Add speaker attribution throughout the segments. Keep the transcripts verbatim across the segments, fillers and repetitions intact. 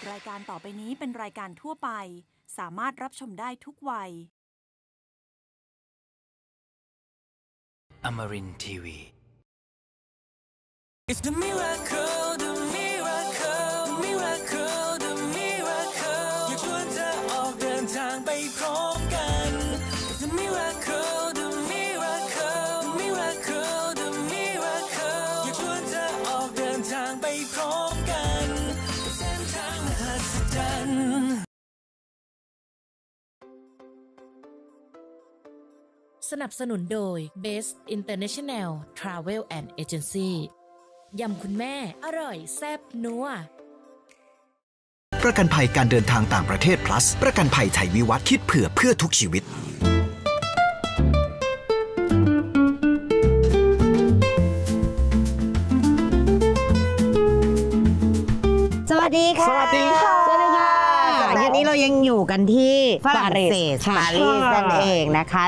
Speaker 1: รายการต่อไปนี้เป็นรายการทั่วไปสามารถรับชมได้ทุกวัย
Speaker 2: Amarin ที วี
Speaker 3: It's the miracle, the miracle, the miracle, the miracle อยากชวนเธอออกเดินทางไปพร้อมกัน It's the miracle, the miracle, the miracle, the miracle อยากชวนเธอออกเดินทางไปพร้อมกันเส้นทางมหัศจรรย์
Speaker 4: สนับสนุนโดย Best International Travel and Agency ยำคุณแม่อร่อยแซ่บนัว
Speaker 5: ประกันภัยการเดินทางต่างประเทศ plus ประกันภัยไทยวิวัฒน์คิดเผื่อเพื่อทุกชีวิต
Speaker 6: สวัสดีค่ะ
Speaker 7: สวัสดีค่ะ
Speaker 6: สวัสดีค่ะวันนี้เรายังอยู่กันที่ฝรั่งเศสปารีสนั่นเองนะคะ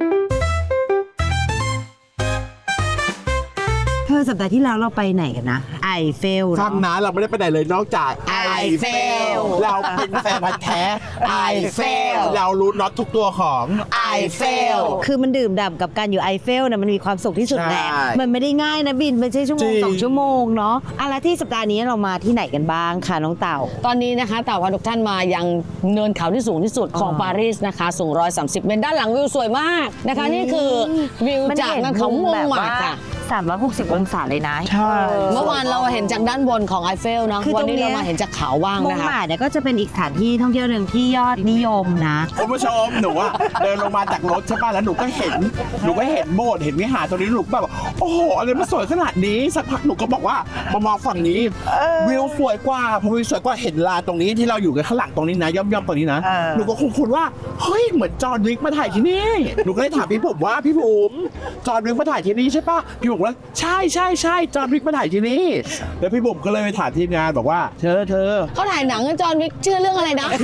Speaker 6: เธอสัปดาห์ที่แล้วเราไปไหนกันนะไอเฟล
Speaker 7: ฟังนะเราไม่ได้ไปไหนเลยนอกจาก
Speaker 6: ไอเฟล
Speaker 7: เราเป็นแฟนพันธุ์แท้ไอเฟลเรารู้น็อตทุกตัวของไอเฟล
Speaker 6: คือมันดื่มด่ำกับการอยู่ไอเฟลเนี่ยมันมีความสุขที่สุดแหละ
Speaker 7: ใช่
Speaker 6: มันไม่ได้ง่ายนะบินไม่ใช่ชั่วโมง
Speaker 7: จริง
Speaker 6: สองชั่วโมงเนาะอะไรที่สัปดาห์นี้เรามาที่ไหนกันบ้างคะน้องเต่า
Speaker 8: ตอนนี้นะคะเต่าพาทุกท่านมายังเนินเขาที่สูงที่สุดของปารีสนะคะสูงหนึ่งร้อยสามสิบเมตรด้านหลังวิวสวยมากนะคะนี่คือวิวจากเนินเขาม่วงหมากค่ะ
Speaker 6: สามร้อยหกสิบองศาเลยนะ
Speaker 7: ใช่
Speaker 8: เมื่อวานเราเห็นจากด้านบนของไอเฟลเนาะ
Speaker 6: คือ
Speaker 8: วัน
Speaker 6: ตรง
Speaker 8: นี้
Speaker 6: เนี้ย
Speaker 8: เรามาเห็นจากเขาบ้าง
Speaker 6: มง
Speaker 8: นะคะ
Speaker 6: หมาเนี่ยก็จะเป็นอีกสถานที่ท่องเที่ยวหนึ่งที่ยอดนิยมนะ
Speaker 7: คุณผู้ชมหนูอะเดินลงมาจากรถใช่ป่ะแล้วหนูก็เห็นหนูก็เห็นโบสถ์เห็นวิหารตรงนี้หนูแบบโอ้โหอะไรมันสวยขนาดนี้สักพักหนูก็บอกว่ามามองฝั่งนี้วิวสวยกว่าพอวิวสวยกว่าเห็นลานตรงนี้ที่เราอยู่กันข้างหลังตรงนี้นะย่อมๆตรงนี้นะ
Speaker 6: เออ
Speaker 7: หนูก็คงคุณว่าเฮ้ยเหมือนจอห์นวิกมาถ่ายที่นี่หนูก็เลยถามพี่ผมว่าพี่ผมจอห์นวิกมาถ่ายที่นี่ใช่ป่ะพี่ผมว่าใช่ใช่ใช่จอห์นวิกมาถ่ายที่นี่แล้วพี่ผมก็เลยไปถามทีมงานบอกว่าเธอเธอ
Speaker 8: เขาถ่ายหนังกันจอห์นวิกชื่อเรื่องอะไรนะ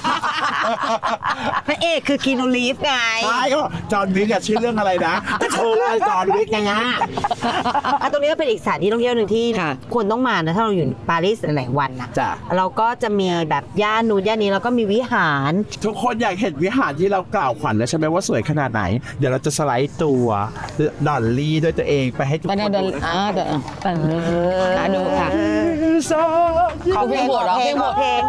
Speaker 6: พระเอกคือคีนูรีฟไง
Speaker 7: ใช่ก็บอกจอห์นวิกอะชื่อเรื่องอะไรนะก็โชว์เลยจอห์นวิกไงฮะ
Speaker 6: อ่ะตรงนี้ก็เป็นอีกสถานที่ท่องเที่ยวหนึ่งที่
Speaker 8: ค่ะ
Speaker 6: ควรต้องมานะถ้าเราอยู่ปารีสหลายๆวันนะ
Speaker 7: จ้ะ
Speaker 6: เราก็จะมีแบบย่านนู้นย่านนี้แล้วก็มีวิหาร
Speaker 7: ทุกคนอยากเห็นวิหารที่เรากล่าวขวัญแล้วใช่ไหมว่าสวยขนาดไหน เดี๋ยวเราจะสไลด์ตัวดอลลี่ด้วยตัวเองไปให้ทุก
Speaker 8: ไป
Speaker 7: คน
Speaker 8: เดิน
Speaker 7: ดูนะ
Speaker 8: อ่าเดินอ่าดูค่ะ
Speaker 6: ขอเพลง
Speaker 8: ขอเพลง
Speaker 6: ขอเพลง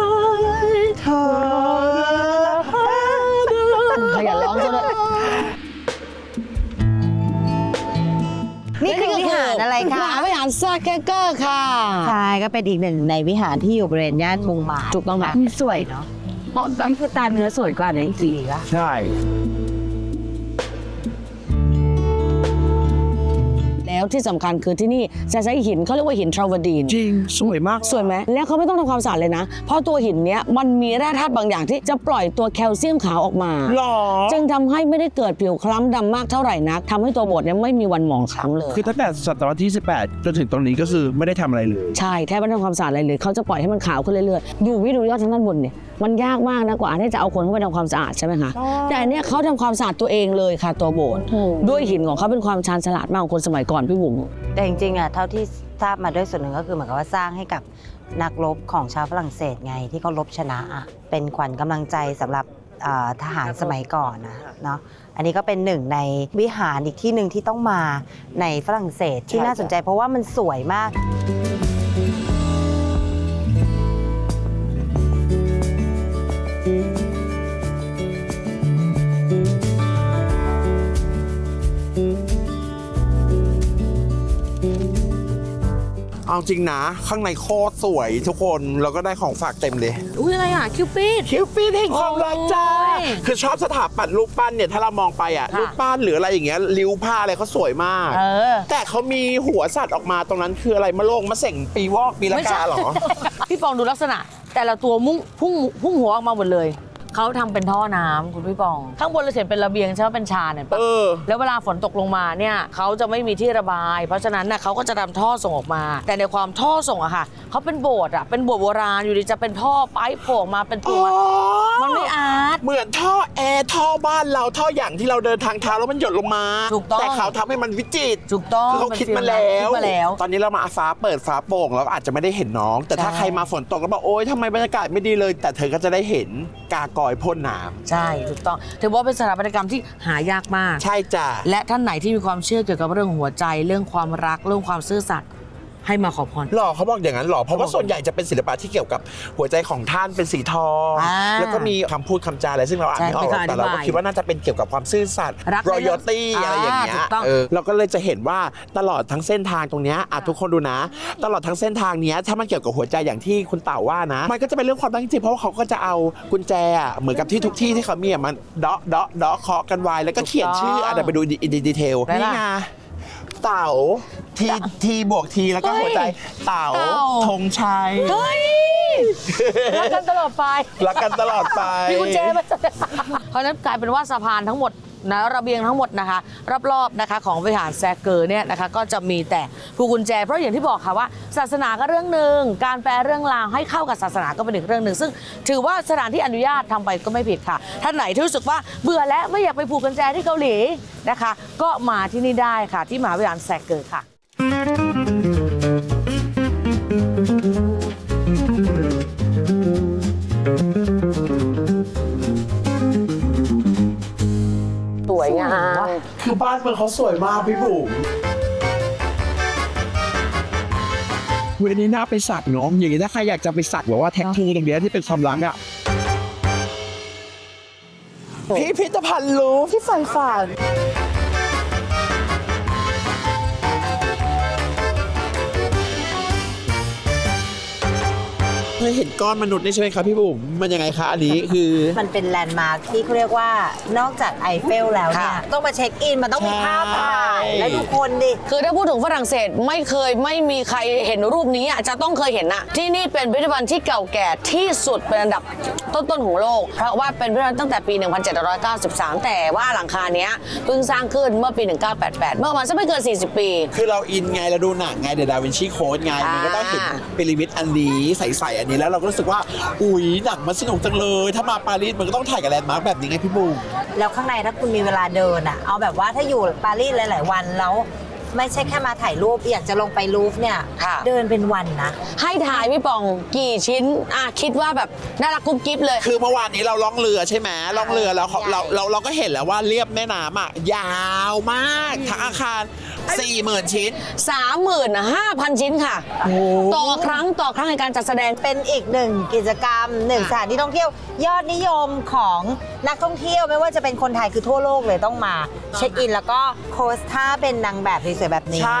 Speaker 8: ขยันร้องซะด้วย
Speaker 6: นี่คือวิหารอะไรคะ
Speaker 8: วิหารซาแกเกอร์ค่ะ
Speaker 6: ใช่ก็เป็นอีกหนึ่งในวิหารที่อยู่บริเวณย่านมงหมา
Speaker 8: ถูกต้องไหม
Speaker 6: สวยเนาะนั่นคือตาเนื้อสวยกว่าในจริงๆอะ
Speaker 7: ใช่
Speaker 8: แล้วที่สำคัญคือที่นี่จะใช้หินเขาเรียกว่าหินทราวดีน
Speaker 7: จริงสวยมาก
Speaker 8: สวยไหมแล้วเขาไม่ต้องทำความสะอาดเลยนะ เพราะตัวหินเนี้ยมันมีแร่ธาตุบางอย่างที่จะปล่อยตัวแคลเซียมขาวออกมา
Speaker 7: หรอ
Speaker 8: จึงทำให้ไม่ได้เกิดผิวคล้ำดำมากเท่าไหร่นักทำให้ตัวโบสถ์เนี่ยไม่มีวันหมองคล้ำเลย
Speaker 7: คือตั้งแต่ศตวรรษที่สิบแปดจนถึงตรงนี้ก็คือไม่ได้ทำอะไรเลย
Speaker 8: ใช่แทบไม่ต้องทำความสะอาดอะไรเลยเขาจะปล่อยให้มันขาวขึ้นเรื่อยๆดูวิดูยอดทางด้านบนเนี่ยมันยากมากนะกว่าที่จะเอาคนเข้าไปทำความสะอาดใช่ไหมคะแต่อันเนี้ยเขาทำความสะอาดตัวเองเลยค่ะตัวโบสถ์ด้วยหินของเขาเป็นความชาญฉลาดมากของคนสมัยก่อนพี่บุ๋ม
Speaker 6: แต่จริงๆอะเท่าที่ทราบมาด้วยส่วนหนึ่งก็คือเหมือนกับว่าสร้างให้กับนักรบของชาวฝรั่งเศสไงที่เขารบชนะอะเป็นขวัญกำลังใจสำหรับเอ่อทหารสมัยก่อนนะเนาะอันนี้ก็เป็นหนึ่งในวิหารอีกที่หนึ่งที่ต้องมาในฝรั่งเศสที่น่าสนใจเพราะว่ามันสวยมาก
Speaker 7: เอาจริงนะข้างในโคตรสวยทุกคนแล้วก็ได้ของฝากเต็มเลย
Speaker 8: อุ้ยอะไรอ่ะคิวปิด
Speaker 7: คิวปิดแห่งความรักจ้า
Speaker 8: โอ้ย
Speaker 7: คือชอบสถาปัตย์รูปปั้นเนี่ยถ้าเรามองไปอ่ะ
Speaker 8: ค่ะ
Speaker 7: รูปปั้นหรืออะไรอย่างเงี้ยริ้วผ้าอะไรเขาสวยมาก
Speaker 8: เออ
Speaker 7: แต่เขามีหัวสัตว์ออกมาตรงนั้นคืออะไรมะโรงมะเส็งปีวอกปีละกาเหรอ
Speaker 8: พี่ปองดูลักษณะ แต่ละตัวมุ่งพุ่งพุ่งหัวออกมาหมดเลยเขาทำเป็นท่อน้ำคุณพี่ปอง ข้างบนเราเห็นเป็นระเบียงใช่ไหมเป็นชานเห็นปะ
Speaker 7: เออ
Speaker 8: แล้วเวลาฝนตกลงมาเนี่ยเขาจะไม่มีที่ระบาย เพราะฉะนั้นน่ะเขาก็จะทำท่อส่งออกมา แต่ในความท่อส่งอะค่ะเขาเป็นโบสถ์อะเป็นโบสถ์โบราณอยู่ดีจะเป็นท่อไปโผล่ออกมาเป็นตัวมันไม่อาร์ต
Speaker 7: เหมือนท่อแอร์ท่อบ้านเราท่ออย่างที่เราเดินทางเท้าแล้วมันหยดลงมา
Speaker 8: ถูกต้อง
Speaker 7: แต่เขาทำให้มันวิจิตร
Speaker 8: ถูกต้อง
Speaker 7: คือเขาคิดมาแล้ว
Speaker 8: คิดมาแล้ว
Speaker 7: ตอนนี้เรามาฟ้าเปิดฟ้าโปร่งเราก็อาจจะไม่ได้เห็นน้อง แต่ถ้า
Speaker 8: ใช่
Speaker 7: ใครมาฝนตกแล้วบอกโอ๊ยทำไมบรรยากาศไม่ดีเลย แต่เธอก็จะได้เห็นกากอยพ่นน้ำ
Speaker 8: ใช่ถูกต้องถือว่าเป็นสถาปัตยกรรมที่หายากมาก
Speaker 7: ใช่จ้ะ
Speaker 8: และท่านไหนที่มีความเชื่อเกี่ยวกับเรื่องหัวใจเรื่องความรักเรื่องความซื่อสัตย์ให้มาขอพร
Speaker 7: หรอเขาบอกอย่างนั้นหรอเพราะว่าส่วนใหญ่จะเป็นศิลปะที่เกี่ยวกับหัวใจของท่านเป็นสีทอง
Speaker 8: อ่า
Speaker 7: แล้วก็มีคำพูดคำจาอะไรซึ่งเราอ่านไม่ออก
Speaker 8: ใช่
Speaker 7: แต่เราก็
Speaker 8: ไม่เคยอธิบาย
Speaker 7: คิดว่าน่าจะเป็นเกี่ยวกับความซื่อสัตย์
Speaker 8: รักในเรื่อง
Speaker 7: royalty อะไรอย่างเงี้ย
Speaker 8: อ่าถูกต้อง
Speaker 7: เออเราก็เลยจะเห็นว่าตลอดทั้งเส้นทางตรงเนี้ยอ่ะทุกคนดูนะ ตลอดทั้งเส้นทางเนี้ยถ้ามันเกี่ยวกับหัวใจอย่างที่คุณเต่าว่านะมันก็จะเป็นเรื่องความรักจริงๆเพราะว่าเขาก็จะเอากุญแจอ่ะเหมือนกับที่ทุกที่ที่เขามีอ่ะมันเดาะเดาะเดาะเคาะกันไว้แล้วก็เขียนชื่ออ่ะเดี๋ยวไปดูอินดีเทลนี่ไงเต่าทีทีบวกทีแล้วก็หัวใจเต่า
Speaker 8: เต่า
Speaker 7: ธงชัย
Speaker 8: เฮ้ยรักกันตลอดไป
Speaker 7: รักกันตลอดไป
Speaker 8: มีกุญแจไหมเพราะฉะนั้นกลายเป็นว่าสะพานทั้งหมดนะระเบียงทั้งหมดนะคะรอบๆนะคะของวิหารแซกเกอร์เนี่ยนะคะก็จะมีแต่พวงกุญแจเพราะอย่างที่บอกค่ะว่าศาสนาก็เรื่องหนึ่งการแปลเรื่องราวให้เข้ากับศาสนาก็เป็นอีกเรื่องหนึ่งซึ่งถือว่าสถานที่อนุญาตทำไปก็ไม่ผิดค่ะท่านไหนที่รู้สึกว่าเบื่อแล้วไม่อยากไปผูกกุญแจที่เกาหลีนะคะก็มาที่นี่ได้ค่ะที่มหาวิหารแซกเกอร์ค่ะสวยงาม
Speaker 7: คือบ้านเมืองเขาสวยมากพี่บุ๋มเวันนี้น่าไปสักเนาะอย่างนี้ถ้าใครอยากจะไปสักแบบว่าแท็กทูตรงเนี้ยที่เป็นความรักอ่ะพิพิธภัณฑ์ลูฟที่ฝันฝันเคยเห็นก้อนมนุษย์นี่ใช่ไหมครับพี่บุ๋มมันยังไงคะอันนี้คือ
Speaker 6: มันเป็นแลนด์มาร์คที่เขาเรียกว่านอกจากไอเฟลแล้วเนี่ย
Speaker 8: ค่ะ
Speaker 6: ต้องมาเช็คอิน มันต้องมีภาพถ่าย
Speaker 7: ใช่
Speaker 6: แล้วทุกคนดิ
Speaker 8: คือถ้าพูดถึงฝรั่งเศสไม่เคยไม่มีใครเห็นรูปนี้อ่ะจะต้องเคยเห็นอะที่นี่เป็นพิพิธภัณฑ์ที่เก่าแก่ที่สุดเป็นอันดับต้นๆของโลก เพราะว่าเป็นพิพิธภัณฑ์ตั้งแต่ปี หนึ่งพันเจ็ดร้อยเก้าสิบสาม แต่ว่าหลังคาเนี้ยเพิ่งสร้างขึ้นเมื่อปี หนึ่งพันเก้าร้อยแปดสิบแปด เมื่อประมาณสักไม่เกิน สี่สิบ ปี
Speaker 7: คือเราอินไงเราดูหนังไงเดอะดาวินชีโค้ดไง มันก็ต้องเห็นพีระมิดอันนี้ใสๆอันนี้แล้วเราก็รู้สึกว่าอุ๊ยหนังมันสนุกจังเลย ถ้ามาปารีสมันก็ต้องถ่ายกับแลนด์มาร์คแบบนี้ไงพี่บูม
Speaker 6: แล้วข้างในถ้าคุณมีเวลาเดินอ่ะ เอาแบบว่าถ้าอยู่ปารีสหลาย ๆ วันแล้วไม่ใช่แค่มาถ่ายรูปอยากจะลงไปลูฟเนี่ย
Speaker 8: ค่ะ
Speaker 6: เดินเป็นวันนะ
Speaker 8: ให้ถ่ายพี่ปองกี่ชิ้นอ่ะคิดว่าแบบน่ารักกุ๊บกิ๊บเลย
Speaker 7: คือเมื่อวานนี้เราล่องเรือใช่ไหมล่องเรือแล้วเขา
Speaker 6: ใหญ่
Speaker 7: เราเราเราก็เห็นแล้วว่าเรียบแม่น้ำอ่ะยาวมากทั้งอาคารสี่หมื่นชิ้น
Speaker 8: สามหมื่นห้าพัน ชิ้นค่ะ ต่อครั้งต่อครั้งในการจัดแสดง
Speaker 6: เป็นอีกหนึ่งกิจกรรมหนึ่งสถานที่ท่องเที่ยวยอดนิยมของนักท่องเที่ยวไม่ว่าจะเป็นคนไทยคือทั่วโลกเลยต้องมาเช็คอิน แล้วก็โพสท่าเป็นนางแบบสวยๆแบบนี้
Speaker 7: ใช่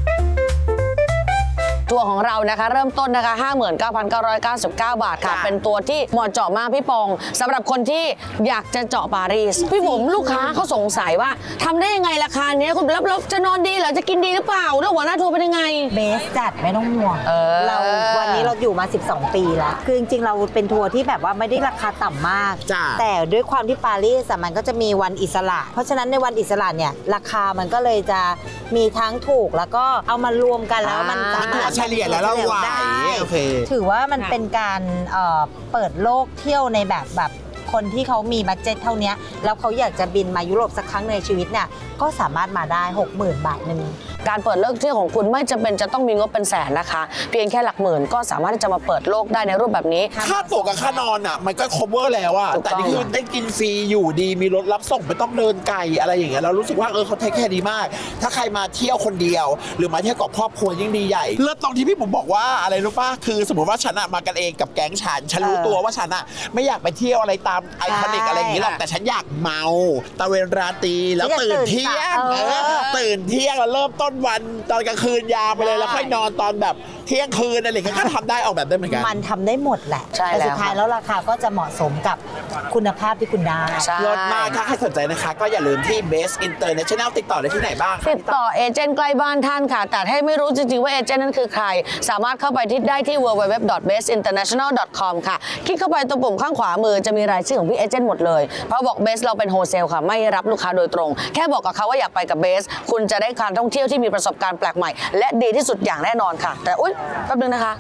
Speaker 8: ตัวของเรานะคะเริ่มต้นนะคะ ห้าหมื่นเก้าพันเก้าร้อยเก้าสิบเก้า บาทค่ะ
Speaker 7: ค่ะ
Speaker 8: เป็นตัวที่เหมาะเจาะมากพี่ปองสำหรับคนที่อยากจะเจาะปารีสพี่ผมลูกค้าเขาสงสัยว่าทำได้ยังไงราคาเนี้ยคุณแล้วเราจะนอนดีเหรอจะกินดีหรือเปล่าแล้วหัวหน้าทัวร์เป็นยังไง
Speaker 6: เบสจัดไม่ต้องห่วง
Speaker 8: เออ
Speaker 6: เราวันนี้เราอยู่มา สิบสอง ปีแล้ว คือจริงๆ เราเป็นทัวร์ที่แบบว่าไม่ได้ราคาต่ำมาก
Speaker 7: จ้ะ
Speaker 6: แต่ด้วยความที่ปารีสอะมันก็จะมีวันอิสระ เพราะฉะนั้นในวันอิสระเนี่ยราคามันก็เลยจะมีทั้งถูกแล้วก็เอามารวมกันแล้วมันสามารถ
Speaker 7: เฉลี่ยแล้วเราไหว
Speaker 6: ได้
Speaker 7: โอเค
Speaker 6: ถือว่ามันเป็นการเอ่อเปิดโลกเที่ยวในแบบแบบคนที่เขามีบัดเจ็ตเท่านี้แล้วเขาอยากจะบินมายุโรปสักครั้งในชีวิตเนี่ยก็สามารถมาได้ หกหมื่น บาทหนึ่ง
Speaker 8: การเปิดโลกเที่ยวของคุณไม่จำเป็นจะต้องมีงบเป็นแสนนะคะ เพียงแค่หลักหมื่นก็สามารถที่จะมาเปิดโลกได้ในรูปแบบนี้
Speaker 7: ค่าตั๋วกับค่านอนอ่ะมันก็ cover แล้วอ่ะ
Speaker 8: ถูกต้อง
Speaker 7: แต่นี่คือได้กินฟรีอยู่ดีมีรถรับส่งไม่ต้องเดินไกลอะไรอย่างเงี้ยเรารู้สึกว่าเออเขาเทคแค่ดีมาก ถ้าใครมาเที่ยวคนเดียว หรือมาเที่ยวกับครอบครัวยิ่งดีใหญ่เลิศตรงที่พี่ผมบอกว่าอะไรรู้ป่ะคือสมมติว่าฉันอะมากันเองกับแก๊งฉันฉันรู้
Speaker 6: เออ
Speaker 7: ตัวว่าฉันอะไม่อยากไปเที่ยวอะไรตามไอคอนิกอะไรอย่างงี้หรอกแต่ฉันอยากเมาตะเวนราตรีแล้ว
Speaker 6: ฉันอยาก
Speaker 7: ตื่นเที่ยง
Speaker 6: ตื่นสาย
Speaker 7: เออตื่นเที่ยงแล้วเริ่มต้นวันตอนกลางคืนยาวไปเลยแล้วค่อยนอนตอนแบบเที่ยงคืนอะไรอย่างเงี้ยก็ทำได้ออกแบบได้เหมือนกัน
Speaker 6: มันทำได้หมดแหละ
Speaker 8: ใช่
Speaker 6: แต่
Speaker 8: แล้ว
Speaker 6: สุดท้ายแล้วราคาก็จะเหมาะสมกับคุณภาพที่คุณได้
Speaker 8: ใช่
Speaker 7: เลิศมากถ้าใครสนใจนะคะ ก็อย่าลืมที่ Best International ติดต่อได้ที่ไหนบ้างคะ
Speaker 8: ติดต่อเอเจนต์ใกล้บ้านท่านค่ะ แต่ให้ไม่รู้จริงๆว่าเอเจนต์นั้นคือใคร สามารถเข้าไปที่ได้ที่ ดับเบิลยู ดับเบิลยู ดับเบิลยู ดอท เบส อินเตอร์เนชั่นแนล ดอท คอม ค่ะ คลิกเข้าไปตรงปุ่มข้างขวามือจะมีรายชื่อของพี่เอเจนต์หมดเลย เพราะบอกเบสเราเป็นโฮเซลค่ะ ไม่รับลูกค้าโดยตรง แค่บอกกับเขาว่าอยากไปกับเบส คุณจะได้การท่องเที่ยวที่มีประสบการณ์แปลกใหม่ และดีที่สุดอย่างแน่นอนค่ะ แต่อุ๊ยแป๊บนึงนะคะ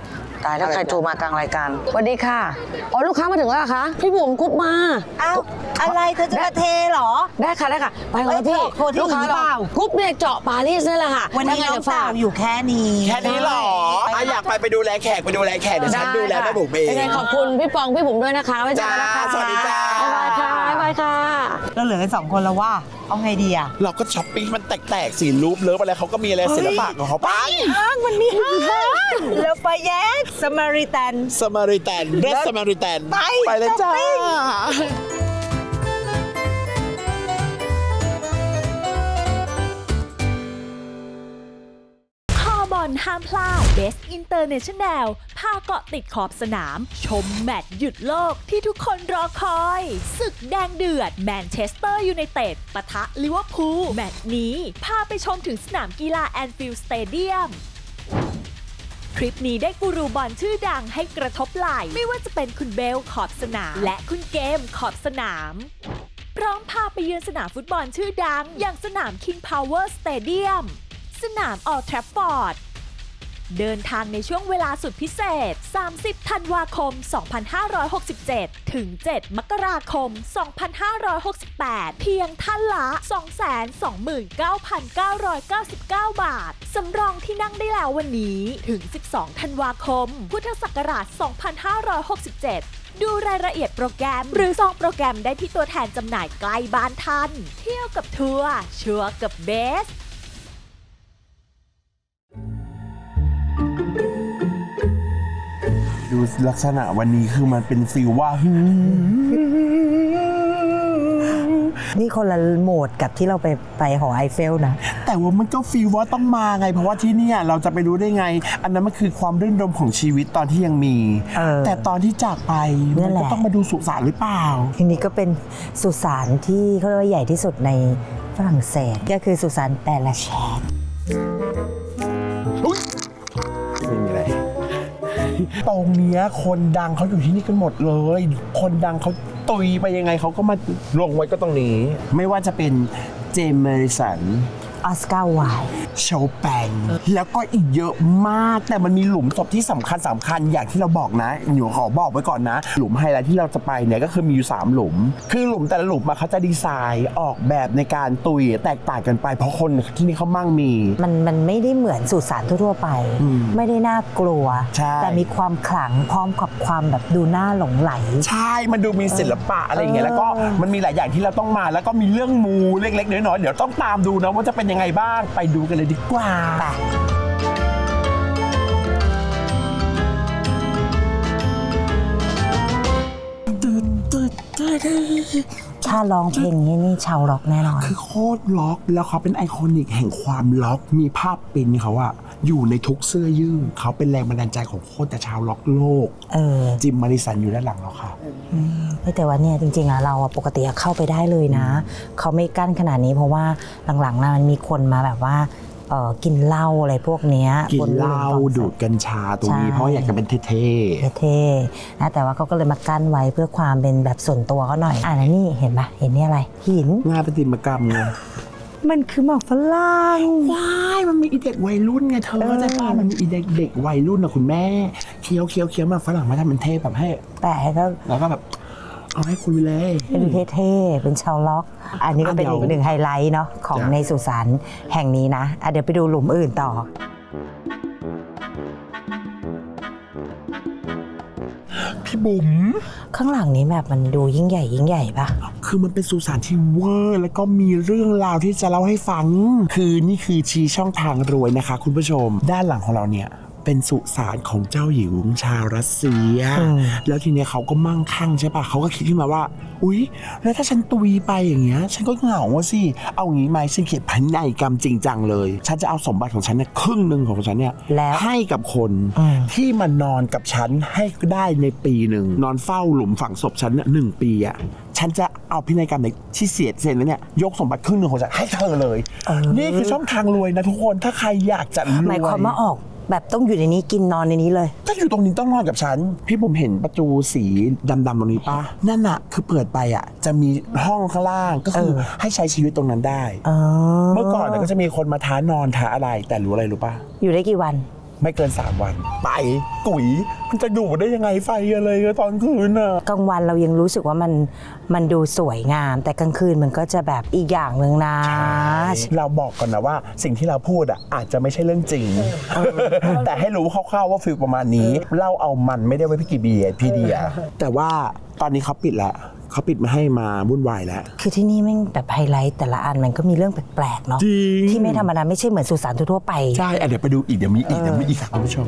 Speaker 8: ตายแล้วใครโทรมากลางรายการสวัสดีค่ะอ๋อลูกค้ามาถึงแล้วเหรอคะพี่บุ๋มกุ๊บมา
Speaker 6: อ้าวอะไรเธอจะมาเทเหรอ
Speaker 8: ได้ค่ะได้ค่ะไปก่อนนะพี่
Speaker 6: เอ้ยโทรที่
Speaker 8: ลูกค้า
Speaker 6: อื่นหรือเปล่า
Speaker 8: กุ๊บเนี่ยเจาะปารีสนี่แหละค่ะ
Speaker 6: วันนี้
Speaker 8: ยั
Speaker 6: น้
Speaker 8: ไง
Speaker 6: อง
Speaker 8: เดี๋ยว
Speaker 6: สา
Speaker 8: ฝาก
Speaker 6: วอยู่แค่นี้
Speaker 7: แค่นี้เหรออ่ะอยากไปไปดูแลแขกไปดูแลแขกเดี๋ยวฉันดูแลแม่บุ๋มเอง
Speaker 8: ยังไงขอบคุณพี่ปองพี่บุ๋มด้วยนะคะไว้เจอกันนะคะ
Speaker 7: จ้าสวัสดีจ้า
Speaker 8: บ๊ายบายค่ะบ๊ายบายค่ะ
Speaker 6: เราเหลือกันสองคนแล้วว่าเอาไงดีอะ
Speaker 7: เราก็ช้อปปิ้งมันแตกๆสีรูปเลิฟอะไรเขาก็มีอะไรศิลปะของเขาไป
Speaker 6: ห้างมันมีห้างแล้วไปแยกสมาริแตน
Speaker 7: สมาริแตนเรสสมาริแตน
Speaker 6: ไป
Speaker 7: ไปเลยจ้า
Speaker 6: ช้อปปิ้ง
Speaker 1: คอบอลห้ามพลาด Best International พาเกาะติดขอบสนาม ชมแมตช์หยุดโลกที่ทุกคนรอคอย ศึกแดงเดือดแมนเชสเตอร์ยูไนเต็ดปะทะลิเวอร์พูลแมตช์นี้พาไปชมถึงสนามกีฬาแอนฟิลด์สเตเดียม ทริปนี้ได้กูรูบอลชื่อดังให้กระทบไหล่ไม่ว่าจะเป็นคุณเบลขอบสนาม และคุณเกมขอบสนาม พร้อมพาไปเยือนสนามฟุตบอลชื่อดัง อย่างสนาม King Power Stadium สนาม Old Trafford เดินทางในช่วงเวลาสุดพิเศษ สามสิบ ธันวาคม สองพันห้าร้อยหกสิบเจ็ด ถึง เจ็ด มกราคม สองพันห้าร้อยหกสิบแปด เพียงท่านละ สองแสนสองหมื่นเก้าพันเก้าร้อยเก้าสิบเก้า บาท สำรองที่นั่งได้แล้ววันนี้ ถึง สิบสอง ธันวาคม พุทธศักราช สองพันห้าร้อยหกสิบเจ็ด ดูรายละเอียดโปรแกรม หรือซองโปรแกรมได้ที่ตัวแทนจำหน่ายใกล้บ้านท่าน เที่ยวกับทัวร์ชัวร์กับเบส
Speaker 7: ดูลักษณะวันนี้คือมันเป็นฟีลว่า
Speaker 6: นี่คนละโหมดกับที่เราไปไปหอไอเฟลนะ
Speaker 7: แต่ว่ามันก็ฟีลว่าต้องมาไง เพราะว่าที่เนี่ยเราจะไปรู้ได้ไง อันนั้นมันคือความรื่นรมของชีวิตตอนที่ยังมี
Speaker 6: เออ
Speaker 7: แต่ตอนที่จากไป
Speaker 6: นั่
Speaker 7: มัน
Speaker 6: นแห
Speaker 7: ก็
Speaker 6: ละ
Speaker 7: ต้องมาดูสุสานหรือเปล่า
Speaker 6: ทีนี้ก็เป็นสุสานที่เขาเรียกว่าใหญ่ที่สุดในฝรั่งเศสก็คือสุสานแปลแชน
Speaker 7: ไม่มีอะไร ตรงเนี้ยคนดังเขาอยู่ที่นี่กันหมดเลย คนดังเขาตุยไปยังไงเขาก็มาลงไว้ก็ตรงนี้ ไม่ว่าจะเป็นเจมส์แมริสัน
Speaker 6: ออสการ์ไวล์
Speaker 7: โชแปงแล้วก็อีกเยอะมากแต่มันมีหลุมศพที่สำคัญสำคัญอย่างที่เราบอกนะหนูขอบอกไว้ก่อนนะ หลุมไฮไลท์ที่เราจะไปเนี่ยก็คือมีอยู่สามหลุม คือหลุมแต่ละหลุมมาเขาจะดีไซน์ออกแบบในการตุยแตกต่างกันไป เพราะคนที่นี่เขามั่งมี
Speaker 6: มันมันไม่ได้เหมือนสุสานทั่วๆไป
Speaker 7: อืม
Speaker 6: ไม่ได้น่ากลัว
Speaker 7: ใช่
Speaker 6: แต่มีความขลังพร้อมกับความแบบดูน่าหลงไหล
Speaker 7: ใช่ มันดูมีศิลปะอะไรอย่างเงี้ยแล้วก็มันมีหลายอย่างที่เราต้องมาแล้วก็มีเรื่องมูเล็กๆน้อยๆเดี๋ยวต้องตามดูนะว่าจะเป็นยังไงบ้างไปดูกันเลยดีกว่า
Speaker 6: ถ้าร้องเพลงนี้นี่ชาวร็อกแน่นอน
Speaker 7: คือโคตรล็อกแล้วเขาเป็นไอคอนิกแห่งความล็อกมีภาพปริ้นเขาอะอยู่ในทุกเสื้อยืดเขาเป็นแรงบันดาลใจของโคตรแต่ชาวล็อกโลก
Speaker 6: เออ
Speaker 7: จิมมาริสันอยู่ด้านหลังเราค่ะ
Speaker 6: เฮ้ยแต่ว่าเนี่ยจริงๆอะเราอะปกติอะเข้าไปได้เลยนะ เขาไม่กั้นขนาดนี้เพราะว่าหลังๆนะมันมีคนมาแบบว่าเออกินเหล้าอะไรพวกเนี้ย
Speaker 7: กิน
Speaker 6: บ
Speaker 7: เหล้า
Speaker 6: คอนเสิร์ต
Speaker 7: ดูดกัญชาตรงนี้
Speaker 6: ใช่
Speaker 7: เพราะอยากจะเป็นเท่
Speaker 6: เท่ๆนะแต่ว่าเขาก็เลยมากั้นไว้เพื่อความเป็นแบบส่วนตัวเขาหน่อยอ่านะนี่เห็นปะเห็นนี่อะไรหิน
Speaker 7: ๆงานประติมากรรมไง
Speaker 6: มันคือหมอกฝรั่ง
Speaker 7: ว้ายมันมีอีเด็กวัยรุ่นไงเธอเข้าใจป่ะมันมีอีเด็กเด็กวัยรุ่นนะคุณแม่เคี้ยวเคี้ยวเคี้ยวมาฝรั่งมาทำเป็นเทพแบบให้
Speaker 6: แต่ก็
Speaker 7: แล้วก็แบบเอาให้คุยเลย
Speaker 6: เป็นเท่ๆเป็นชาวล็อก อันนี้ก็เป็น
Speaker 7: อ่ะ
Speaker 6: อีก
Speaker 7: เดี๋ยว
Speaker 6: หนึ่งไฮไลท์เนาะของ
Speaker 7: จ้ะ
Speaker 6: ในสุสานแห่งนี้นะอ่ะเดี๋ยวไปดูหลุมอื่นต่อ
Speaker 7: พี่บุ๋ม
Speaker 6: ข้างหลังนี้แบบมันดูยิ่งใหญ่ยิ่งใหญ่ปะ
Speaker 7: คือมันเป็นสุสานที่เวอร์แล้วก็มีเรื่องราวที่จะเล่าให้ฟัง คือนี่คือชี้ช่องทางรวยนะคะคุณผู้ชม ด้านหลังของเราเนี่ยเป็นสุสานของเจ้าหญิงชาวรัสเซีย แล้วทีเนี้ยเขาก็มั่งคั่งใช่ปะเขาก็คิดขึ้นมาว่า อุ๊ย แล้วถ้าฉันตุยไปอย่างเงี้ย ฉันก็เหงาอะสิ เอางี้ไหมฉันเขียนพินัยกรรมจริงจังเลย ฉันจะเอาสมบัติของฉันเนี่ยครึ่งหนึ่งของฉันเนี่ย
Speaker 6: แล้ว
Speaker 7: ให้กับคน
Speaker 6: อืม
Speaker 7: ที่มานอนกับฉันให้ได้ในปีหนึ่งนอนเฝ้าหลุมฝังศพฉันเนี่ยหนึ่งปีอะฉันจะเอาพินัยกรรมในที่เสียเซ็นแล้วเนี่ยยกสมบัติครึ่งหนึ่งของฉันให้เธอเลย นี่คือช่องทางรวยนะทุกคนถ้าใครอยากจะรวย
Speaker 6: หมายความว่าออกแบบต้องอยู่ในนี้กินนอนในนี้เลย
Speaker 7: ถ้าอยู่ตรงนี้ต้องนอนกับฉัน พี่ผมเห็นประตูสีดำๆตรงนี้ปะนั่นอะคือเปิดไปอะจะมีห้องข้างล่างก็คือ
Speaker 6: เออ
Speaker 7: ให้ใช้ชีวิตตรงนั้นได้
Speaker 6: อ๋อ
Speaker 7: เมื่อก่อนเนี่ยก็จะมีคนมาท้านอนท้าอะไรแต่รู้อะไรรู้ปะ
Speaker 6: อยู่ได้กี่วัน
Speaker 7: ไม่เกินสามวันไปกุ๋ยมันจะอยู่ได้ยังไงไฟอะไรตอนคืนอ่ะ
Speaker 6: กลางวันเรายังรู้สึกว่ามันมันดูสวยงาม แต่กลางคืนมันก็จะแบบอีกอย่างหนึ่งนะ
Speaker 7: เราบอกก่อนนะว่าสิ่งที่เราพูดอ่ะอาจจะไม่ใช่เรื่องจริง แต่ให้รู้คร่าวๆว่าฟิลประมาณนี้เล่าเอามันไม่ได้ไว้พี่กี่เบียร์พี่เดียแต่ว่าตอนนี้เขาปิดแล้วเขาปิดไม่ให้มาวุ่นวายแล้ว
Speaker 6: คือที่นี่แม่งแบบไฮไลท์แต่ละอันมันก็มีเรื่องแปลกๆเนาะ
Speaker 7: จริง
Speaker 6: ที่ไม่ธรรมดาไม่ใช่เหมือนสุสานทั่วๆไป
Speaker 7: ใช่อ่ะเดี๋ยวไปดูอีกเดี๋ยวมีอีกเดี๋ยวมีอีกค่ะคุณผู้ชม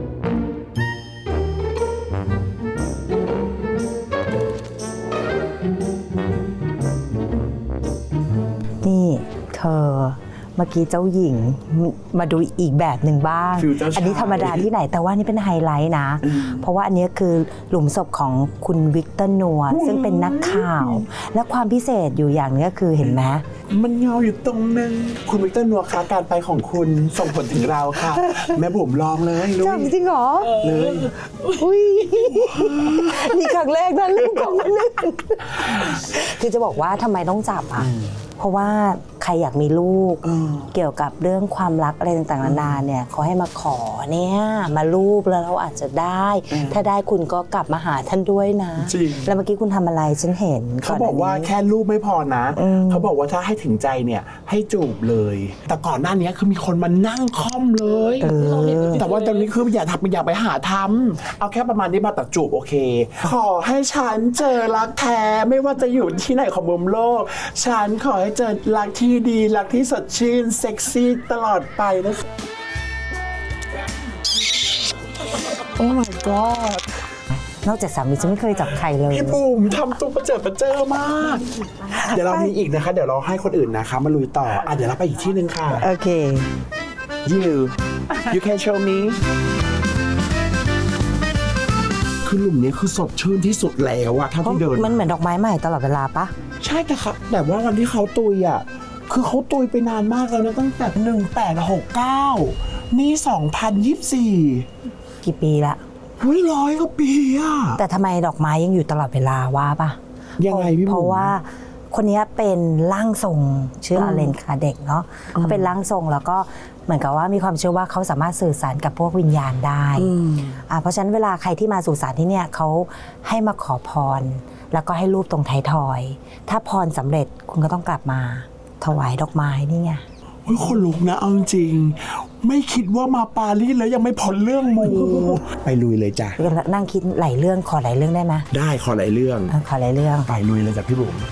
Speaker 6: นี่เธอเมื่อกี้เจ้าหญิงมาดูอีกแบบหนึ่งบ้าง
Speaker 7: ฟิลเจ้าชาย
Speaker 6: อันนี้ธรรมดาที่ไหนแต่ว่านี่เป็นไฮไลท์นะ เพราะว่าอันนี้คือหลุมศพของคุณวิกเตอร์นัวซึ่งเป็นนักข่าว และความพิเศษอยู่อย่างนึงก็คือเห็นไหม
Speaker 7: มันเงาอยู่ตรงนึงคุณวิกเตอร์นัวคะการไปของคุณส่งผลถึงเราค่ะ แม่บุ๋มลองเลยลุย
Speaker 6: จริงเหรอ
Speaker 7: เลย
Speaker 6: อุ้ยนี่ครั้งแรกนะลูกของมันนึงคือจะบอกว่าทำไมต้องจับอ่ะเพราะว่าใครอยากมีลูกเกี่ยวกับเรื่องความรักอะไรต่างๆนานาเนี่ยเขาให้มาขอเนี่ยมารูปแล้วเราอาจจะได้ ถ้าได้คุณก็กลับมาหาท่านด้วยนะ
Speaker 7: จริง
Speaker 6: แล้วเมื่อกี้คุณทำอะไรฉันเห็น
Speaker 7: เขาบอกว่า
Speaker 6: ก่นหน้นี้
Speaker 7: แค่รูปไม่พอนะ
Speaker 6: อืม
Speaker 7: เขาบอกว่าถ้าให้ถึงใจเนี่ยให้จูบเลย แต่ก่อนหน้านี้คือมีคนมานั่งค่อมเลย
Speaker 6: เออ
Speaker 7: แต่ว่าตอนนี้คืออย่าทำอย่าไปหาทำเอาแค่ประมาณนี้มาตัดจูบโอเค ขอให้ฉันเจอรักแท้ไม่ว่าจะอยู่ที่ไหนของมุมโลก ฉันขอให้เจอรักที่ดีรักที่สดชื่นเซ็กซี่ตลอดไปนะโอ้ my god
Speaker 6: นอกจากสามีฉันไม่เคยจับใครเลย
Speaker 7: พี่บุ๋มทำตัวประเจิดประเจิอมาก เดี๋ยวเรามีอีกนะคะ เดี๋ยวเราให้คนอื่นนะคะมาลุยต่ออ่ะเดี๋ยวเราไปอีกที่หนึ่งค่ะ
Speaker 6: โอเค
Speaker 7: you you can show me คือหลุมนี้คือสดชื่นที่สุดแล้วอะเท่า
Speaker 6: เพราะ
Speaker 7: ที่เดิน
Speaker 6: มันเหมือนดอกไม้ใหม่ตลอดเวลาปะ
Speaker 7: ใช่แต่ครับแต่ว่าวันที่เขาตุยอะคือเขาตุยไปนานมากแล้วนะตั้งแต่หนึ่งแปดหกเก้านี่สองพันยี่สิบสี่
Speaker 6: กี่ปีละ
Speaker 7: เฮ้ยร้อยกว่าปีอะ
Speaker 6: แต่ทำไมดอกไม้ยังอยู่ตลอดเวลาว่าปะ
Speaker 7: ยังไงพี่บุ๋ม
Speaker 6: เพราะว่าคนนี้เป็นร่างทรงชื่ออเลนคาเด็กเนาะเขาเป็นร่างทรงแล้วก็เหมือนกับว่ามีความเชื่อว่าเขาสามารถสื่อสารกับพวกวิญญาณได้อ่าเพราะฉะนั้นเวลาใครที่มาสู่สารที่เนี่ยเขาให้มาขอพร แล้วก็ให้รูปตรงไทยทอย ถ้าพรสำเร็จคุณก็ต้องกลับมาถวายดอกไม้นี่ไง
Speaker 7: เฮ้ยคนลุกนะเอาจริงๆไม่คิดว่ามาปารีสแล้วยังไม่พ้นเรื่องมูไปลุยเลยจ้ะ
Speaker 6: นั่งคิดหลายเรื่องขอหลายเรื่องได้ไหม
Speaker 7: ได้ขอหลายเรื่อง
Speaker 6: อ่ะขอหลายเรื่อง
Speaker 7: ไปลุยเลยจ้ะพี่บุ๋ม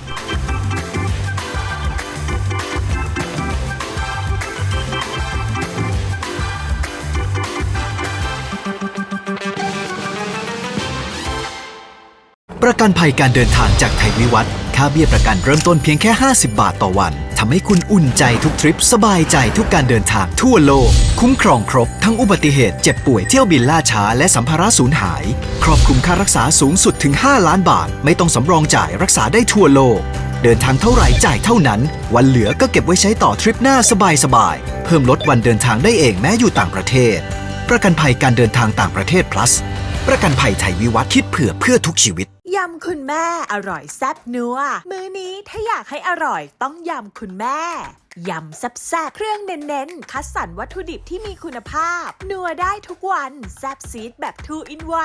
Speaker 5: ประกันภัยการเดินทางจากไทยวิวัฒน์ค่าเบี้ยประกันเริ่มต้นเพียงแค่ ห้าสิบบาทต่อวันทำให้คุณอุ่นใจทุกทริปสบายใจทุกการเดินทางทั่วโลก คุ้มครองครบทั้งอุบัติเหตุเจ็บป่วยเที่ยวบินล่าช้าและสัมภาระสูญหาย ครอบคลุมค่ารักษาสูงสุดถึง ห้าล้านบาท ไม่ต้องสำรองจ่ายรักษาได้ทั่วโลก เดินทางเท่าไหร่จ่ายเท่านั้น วันเหลือก็เก็บไว้ใช้ต่อทริปหน้าสบายๆเพิ่มลดวันเดินทางได้เองแม้อยู่ต่างประเทศ ประกันภัยการเดินทางต่างประเทศ plus ประกันภัยไทยวิวัฒน์คิดเผื่อเพื่อทุกชีวิต
Speaker 1: ยำคุณแม่อร่อยแซ่บนัวมื้อนี้ถ้าอยากให้อร่อยต้องยำคุณแม่ยำแซ่บๆเครื่องเน้นๆคัดสรรวัตถุดิบที่มีคุณภาพ นัวได้ทุกวันแซ่บซีดแบบ ทู อิน วัน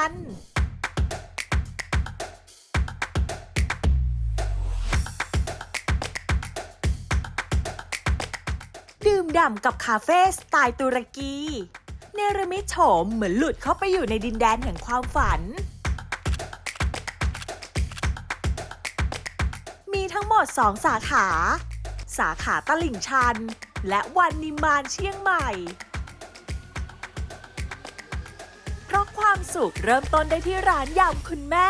Speaker 1: ดื่มด่ำกับคาเฟ่สไตล์ตุรกีเนรมิตโฉมเหมือนหลุดเข้าไปอยู่ในดินแดนแห่งความฝัน มีทั้งหมดสองสาขา สาขาตลิ่งชัน และวันนิมานเชียงใหม่ เพราะความสุขเริ่มต้นได้ที่ร้านยำคุณแม่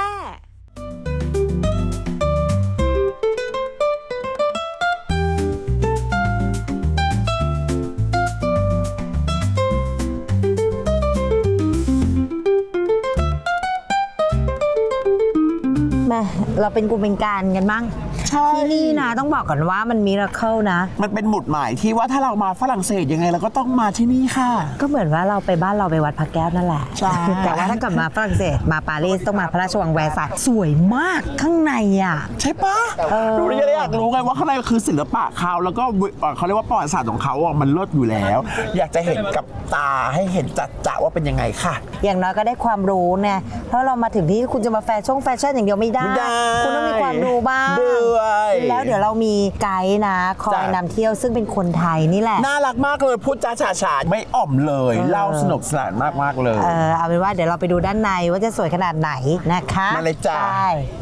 Speaker 6: มาเราเป็นกูเป็นการกันบ้างที่นี่นะต้องบอกก่อนว่ามันมิราเคิลนะ
Speaker 7: มันเป็นหมุดหมายที่ว่าถ้าเรามาฝรั่งเศสยังไงเราก็ต้องมาที่นี่ค่ะ
Speaker 6: ก็เหมือนว่าเราไปบ้านเราไปวัดพระแก้วนั่นแหละ
Speaker 7: ใช่
Speaker 6: แต่ว่าถ้าเกิดมาฝรั่งเศสมาปารีสต้องมาพระราชวังแวร์ซายน์สวยมากข้างในอ่ะ
Speaker 7: ใช่ปะหนูเลยอยากรู้ไงว่าข้างในคือศิลปะเขาแล้วก็เขาเรียกว่าประวัติศาสตร์ของเขาอ่ะมันเลิศอยู่แล้ว อยากจะเห็นกับตาให้เห็นจัดจะว่าเป็นยังไงค่ะ
Speaker 6: อย่างน้อยก็ได้ความรู้เนี่ยเพราะเรามาถึงที่คุณจะมาแฟชั่นแฟชั่นอย่างเดียวไม่ได้
Speaker 7: ไม่ได้
Speaker 6: คุณต้องมีความรู้บ้าง
Speaker 7: ด้วย
Speaker 6: แล้วเดี๋ยวเรามีไกด์นะคอย
Speaker 7: จ้ะ
Speaker 6: นำเที่ยวซึ่งเป็นคนไทยนี่แหละ
Speaker 7: น่ารักมากเลยพูดจาฉาฉานไม่อ่อมเลยเล่าสนุกสนานมากๆเลย
Speaker 6: เออเอาเป็นว่าเดี๋ยวเราไปดูด้านในว่าจะสวยขนาดไหนนะคะ
Speaker 7: มาเลยจ้ะ
Speaker 6: ใช่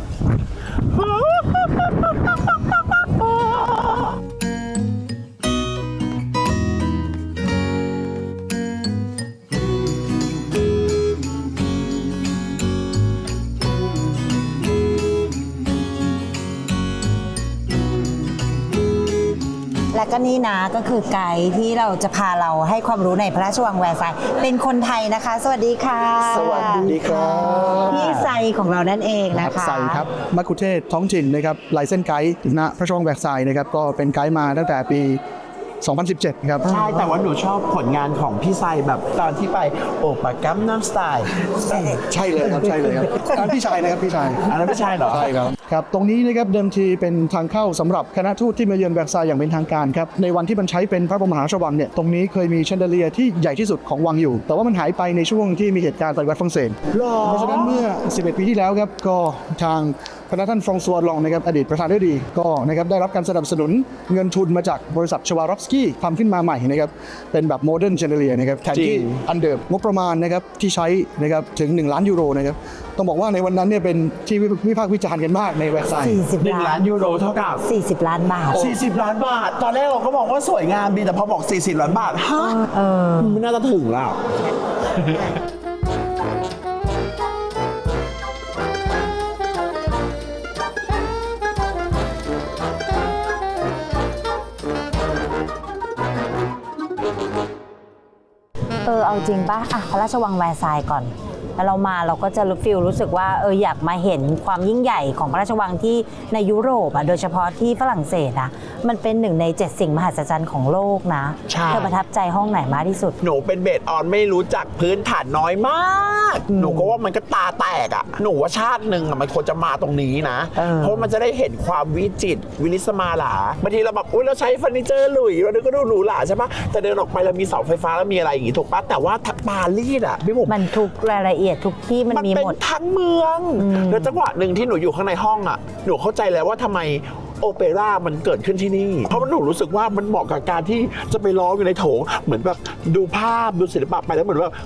Speaker 6: และก็นี่นะก็คือไกด์ที่เราจะพาเราให้ความรู้ในพระราชวังแวร์ซายน์เป็นคนไทยนะคะ สวัสดีค่ะ
Speaker 2: สวัสดีครับ
Speaker 6: พี่ไซของเรานั่นเองนะคะ
Speaker 2: ใส่ครับมัคคุเทศก์ท้องถิ่นนะครับไลเซนไกด์ณพระราชวังแวร์ซายน์นะครับก็เป็นไกด์มาตั้งแต่ปี สองพันสิบเจ็ด ครับ
Speaker 7: ใช่แต่ว่าหนูชอบผลงานของพี่ไซแบบตอนที่ไปโอปะกัมน้ำสไตล์
Speaker 2: ใช่เลยครับใช่เลยครับอันพี่ชายนะครับพี่ชาย
Speaker 7: อันนั้นไม่ใช่เหรอ
Speaker 2: ใช่ครับครับตรงนี้นะครับเดิมทีเป็นทางเข้าสำหรับคณะทูตที่มาเยือนแวร์ซายน์อย่างเป็นทางการครับในวันที่มันใช้เป็นพระบรมมหาราชวังเนี่ยตรงนี้เคยมีแชนเดเลียร์ที่ใหญ่ที่สุดของวังอยู่ แต่ว่ามันหายไปในช่วงที่มีเหตุการณ์ปฏิวัติฝรั่งเศสเพราะฉะนั้นเมื่อ สิบเอ็ด ปีที่แล้วครับก็ทางพระท่านฟรองซัวลองนะครับอดีตประธานาธิบดีก็นะครับได้รับการสนับสนุนเงินทุนมาจากบริษัทชวารอฟสกี้ทำขึ้นมาใหม่นะครับเป็นแบบโมเดิร์นแชนเดเลียร์นะครับแทนที่อันเดิมงบประมาณนะครับที่ใช้นะครับถึงหนึ่งล้านยูโรนะครับต้องบอกว่าในวันนั้นเนี่ยเป็นที่วิพากษ์วิจารณ์กันมากในแวร์ซายน์
Speaker 7: หนึ่งล้านยูโรเท่ากับ
Speaker 6: สี่สิบล้านบาท
Speaker 7: สี่สิบล้านบาท ตอนแรกเราก็บอกว่าสวยงามดีแต่พอบอกสี่สิบล้านบาทฮะไม่น่าจะถึงแล้ว
Speaker 6: เออเอาจริงป่ะอ่ะพระราชวังแวร์ซายน์ก่อนแล้วเรามาเราก็จะรู้ฟิลรู้สึกว่าเอออยากมาเห็นความยิ่งใหญ่ของพระราชวังที่ในยุโรปอ่ะโดยเฉพาะที่ฝรั่งเศสอ่ะมันเป็นหนึ่งในเจ็ดสิ่งมหัศจรรย์ของโลกนะ
Speaker 7: ใช่
Speaker 6: เธอประทับใจห้องไหนมากที่สุด
Speaker 7: หนูเป็นเบสออนไม่รู้จักพื้นฐานน้อยมาก หนูก็ว่ามันก็ตาแตกอ่ะ หนูว่าชาติหนึ่งอ่ะมันควรจะมาตรงนี้นะ
Speaker 6: เออ
Speaker 7: เพราะมันจะได้เห็นความวิจิตรวิลิสมาหลาบางทีเราแบบอุ้ยเราใช้เฟอร์นิเจอร์หลุยเราก็ดูหรูหราใช่ปะแต่เดินออกไปเรามีเสาไฟฟ้าแล้วมีอะไรอย่างงี้ถูกปะแต่ว่าปารีสอ่ะพี่บุ๋ม
Speaker 6: มันทุกรายละเอียดทุกที่มัน
Speaker 7: มัน
Speaker 6: มี
Speaker 7: เป็น
Speaker 6: หมด
Speaker 7: ทั้งเมืองแล้วจังหวะหนึ่งที่หนูอยู่ข้างในห้องอ่ะหนูเข้าใจแล้วว่าทำไมโอเปร่ามันเกิดขึ้นที่นี่ เพราะมันหนูรู้สึกว่ามันเหมาะกับการที่จะไปร้องอยู่ในโถงเหมือนแบบดูภาพดูศิลปะไปแล้วเหมือนแบบ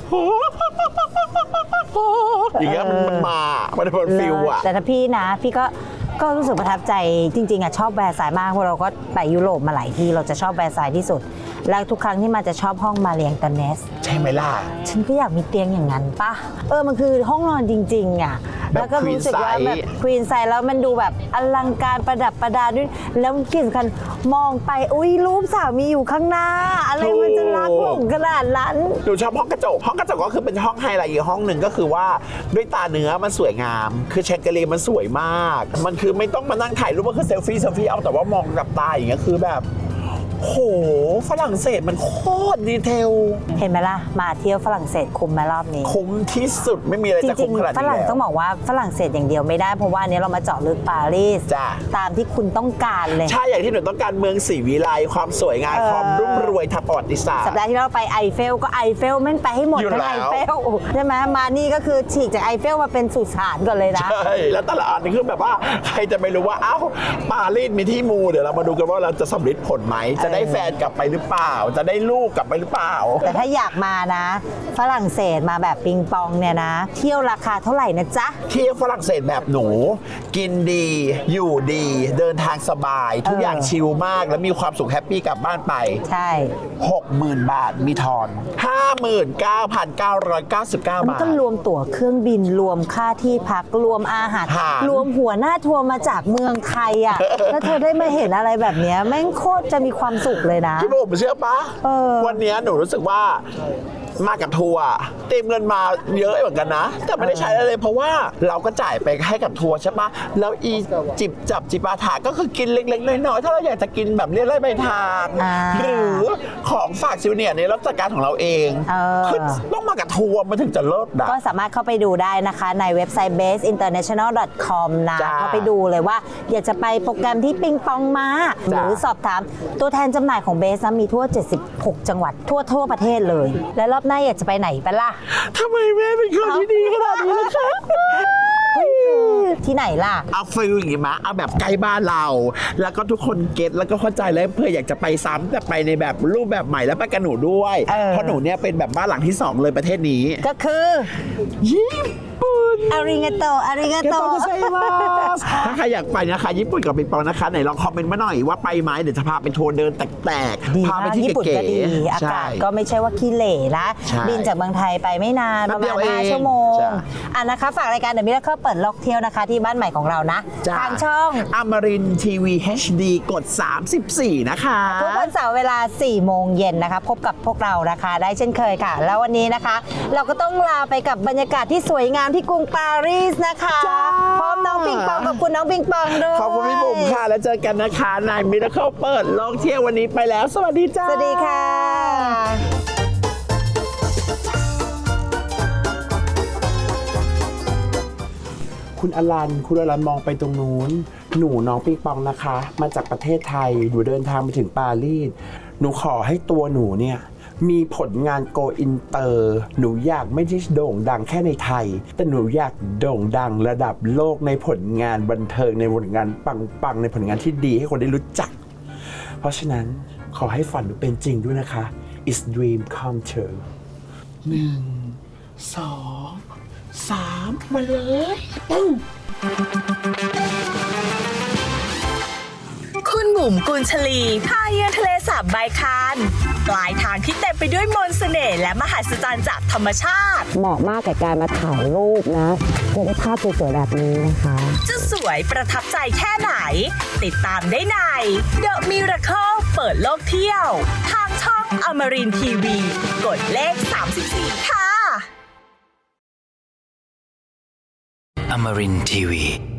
Speaker 7: อย่างเงี้ยมันมันมามันเป็นฟิลอ่ะ
Speaker 6: แต่ถ้าพี่นะพี่ก็ก็รู้สึกประทับใจจริงๆอ่ะชอบแวร์ซายน์มากเพราะเราก็ไปยุโรปมาหลายที่เราจะชอบแวร์ซายน์ที่สุด แล้วทุกครั้งที่มาจะชอบห้องมาเรียงตาเนส
Speaker 7: ใช่ไหมล่ะ
Speaker 6: ฉันก็อยากมีเตียงอย่างนั้นปะเออมันคือห้องนอนจริงๆอ่ะ
Speaker 7: แบบ
Speaker 6: แล้วก็รู้สึกว่า
Speaker 7: queen size
Speaker 6: แบบควีนไซส์แล้วมันดูแบบอลังการประดับประดาด้วยแล้วที่สำคัญมองไปอุ้ยรูปสามีอยู่ข้างหน้า อะไรมันจะรักหลงขนาดนั้น
Speaker 7: หนูชอบห้องกระจกห้องกระจกก็คือเป็นห้องไฮไลท์อีกห้องหนึ่งก็คือว่าด้วยตาเนื้อมันสวยงาม คือแชงเกลียมันสวยมาก มันคือไม่ต้องมานั่งถ่ายรูปก็คือเซลฟี่เซลฟี่เอาแต่ว่ามองกับตาอย่างเงี้ยคือแบบโหฝรั่งเศสมันโคตรดีเทล
Speaker 6: เห็นไหมล่ะมาเที่ยวฝรั่งเศสคุ้มไหมรอบนี้
Speaker 7: คุ้มที่สุดไม่มีอะไร
Speaker 6: จ
Speaker 7: จะ
Speaker 6: ริ
Speaker 7: คุ้
Speaker 6: ง
Speaker 7: มขนาด
Speaker 6: ๆฝ
Speaker 7: นี้
Speaker 6: รั่ง
Speaker 7: แล้ว
Speaker 6: ต้องบอกว่าฝรั่งเศสอย่างเดียวไม่ได้เพราะว่าอันนี้เรามาเจาะลึกปารีส
Speaker 7: จ้ะ
Speaker 6: ตามที่คุณต้องการเลย
Speaker 7: ใช่อย่างที่หนูต้องการเมืองศรีวิไลความสวยงาม
Speaker 6: เออ
Speaker 7: ความรุ่งรวยทางประวัติศาสต
Speaker 6: สัป
Speaker 7: ร์
Speaker 6: ดาห์ที่เราไปไอเฟลก็ไอเฟลแม่งไปให้หมด
Speaker 7: อยู่
Speaker 6: ทั้ง
Speaker 7: แล้
Speaker 6: ไอ
Speaker 7: ว
Speaker 6: เฟลใช่ไหมมานี่ก็คือฉีกจากไอเฟลมาเป็นสุสานก่อนเลยนะ
Speaker 7: ใช่แล้วแต่ละอันนี่คือแบบว่าใครจะไม่รู้ว่าอ้าวปารีสมีที่มูเดี๋ยวเรามาดูกันว่าเราจะสำเร็จผลไหมจะได้แฟนกลับไปหรือเปล่า จะได้ลูกกลับไปหรือเปล่า
Speaker 6: แต่ถ้าอยากมานะ ฝรั่งเศสมาแบบปิงปองเนี่ยนะ เที่ยวราคาเท่าไหร่นะจ๊ะ
Speaker 7: เที่ยวฝรั่งเศสแบบหนู กินดี อยู่ดี เดินทางสบาย ทุกอย่างชิลมากแล้วมีความสุขแฮปปี้กลับบ้านไป
Speaker 6: ใช่
Speaker 7: หกหมื่น บาทมีทอน ห้าหมื่นเก้าพันเก้าร้อยเก้าสิบเก้า
Speaker 6: มัน
Speaker 7: บาท
Speaker 6: ก็รวมตั๋วเครื่องบินรวมค่าที่พักรวมอาหาร
Speaker 7: อาหาร
Speaker 6: รวมหัวหน้าทัวร์มาจากเมืองไทยอ่ะ แล้วเธอได้มาเห็นอะไรแบบเนี้ยแม่งโคตรจะมีความสุขเลยนะ
Speaker 7: พี่บุ๋มเชื่อปะ
Speaker 6: เออ
Speaker 7: วันเนี้ยหนูรู้สึกว่ามากับทัวร์เต็มเงินมาเยอะเหมือนกันนะ แต่ไม่ได้ใช้อะไรเลยเพราะว่าเราก็จ่ายไปให้กับทัวร์ใช่ปะแล้วอีจิบจับจิปาถะก็คือกินเล็กๆน้อยๆถ้าเราอยากจะกินแบบเรียกไล่ใบทาง
Speaker 6: อ่า
Speaker 7: หรือของฝากซิวเนียร์ในรับจัดการของเราเอง
Speaker 6: เออ
Speaker 7: คือต้องมากับทัวร์มันถึงจะเลิศนะ
Speaker 6: ก็สามารถเข้าไปดูได้นะคะในเว็บไซต์ เบส อินเตอร์เนชั่นแนล ดอท คอม นะ
Speaker 7: จ้า
Speaker 6: เข้าไปดูเลยว่าอยากจะไปโปรแกรมที่ปิงปองมา ห
Speaker 7: จ้า
Speaker 6: รือสอบถามตัวแทนจำหน่ายของเบสนะมีทั่ว เจ็ดสิบหก จังหวัดทั่วทั่วประเทศเลย และรอบหน้าอยากจะไปไหนไปล่ะ
Speaker 7: ทำไมแม่เป็นคนที่ดีขนาดนี้ล่ะคะ
Speaker 6: ที่ไหนล่ะ
Speaker 7: เอาฟิลอย่างงี้มะเอาแบบใกล้บ้านเรา แล้วก็ทุกคนเก็ตแล้วก็เข้าใจแล้วเพื่ออยากจะไปซ้ำแต่ไปในแบบรูปแบบใหม่แล้วไปกับหนูด้วย
Speaker 6: เออ
Speaker 7: เพราะหนูเนี่ยเป็นแบบบ้านหลังที่สองเลยประเทศนี้
Speaker 6: ก็คือ
Speaker 7: ญี่ปุ่น
Speaker 6: อาริงาโตอาริงาโต
Speaker 7: ถ้าใครอยากไปนะคะญี่ปุ่นกับปิงปองนะคะไหนลองคอมเมนต์มาหน่อยว่าไปไหมเดี๋ยวจะพาไปทัวร์เดินแตก
Speaker 6: ดี
Speaker 7: ๆพาไป
Speaker 6: มาก
Speaker 7: ที่
Speaker 6: ญี่ปุ่น
Speaker 7: เก๋
Speaker 6: ก็ดี
Speaker 7: ๆ
Speaker 6: อา
Speaker 7: ใช่
Speaker 6: กาศก็ไม่ใช่ว่าขี้เหร่นะ
Speaker 7: ใช่
Speaker 6: บินจากเมืองไทยไปไม่นานประ
Speaker 7: แป๊บเดี
Speaker 6: มาณ
Speaker 7: ยวเอง
Speaker 6: ห้าชั่วโมง
Speaker 7: ใช่
Speaker 6: อ่ะนะคะฝากรายการ The Miracle เปิดโลกเที่ยวนะคะที่บ้านใหม่ของเรานะ
Speaker 7: จ้ะ
Speaker 6: ทางช่อง
Speaker 7: อมรินทีวี เอช ดี กด สามสิบสี่ นะคะ
Speaker 6: ทุกวันเสาร์เวลา สี่โมงเย็นนะคะ พบกับพวกเรานะคะได้เช่นเคยค่ะ แล้ววันนี้นะคะ เราก็ต้องลาไปกับบรรยากาศที่สวยงามที่กรุงปารีสนะคะ
Speaker 7: จ้า
Speaker 6: พร้อมน้องปิงปองขอบคุณน้องปิงปองด้วย
Speaker 7: ขอบคุณพี่บุ๋มค่ะ แล้วเจอกันนะคะในมิราเคิลเปิดโลกเที่ยววันนี้ไปแล้ว สวัสดีจ้า
Speaker 6: สวัสดีค่ะ
Speaker 7: คุณอลัน คุณอลันมองไปตรงนู้น หนูน้องปิงปองนะคะ มาจากประเทศไทย หนูเดินทางมาถึงปารีส หนูขอให้ตัวหนูเนี่ย มีผลงานโกอินเตอร์ หนูอยากไม่ได้โด่งดังแค่ในไทย แต่หนูอยากโด่งดังระดับโลกในผลงานบันเทิงในผลงานปังๆ ในผลงานที่ดีให้คนได้รู้จัก เพราะฉะนั้นขอให้ฝันหนูเป็นจริงด้วยนะคะ It's dream come true หนึ่ง สอง สามมาเลยปึ้ง
Speaker 1: คุณบุ๋มกุลชลีพาเยือนทะเลสาบไบคานปลายทางที่เต็มไปด้วยมนต์เสน่ห์และมหัศจรรย์จากธรรมชาติ
Speaker 8: เหมาะมากกับการมาถ่ายรูปนะจะได้ภาพสวยๆแบบนี้นะคะ
Speaker 1: จะสวยประทับใจแค่ไหน ติดตามได้ใน The Miracle เปิดโลกเที่ยว ทางช่องอมรินทีวี กดเลข สามสิบสี่ ค่ะ
Speaker 5: Amarin Tiwi.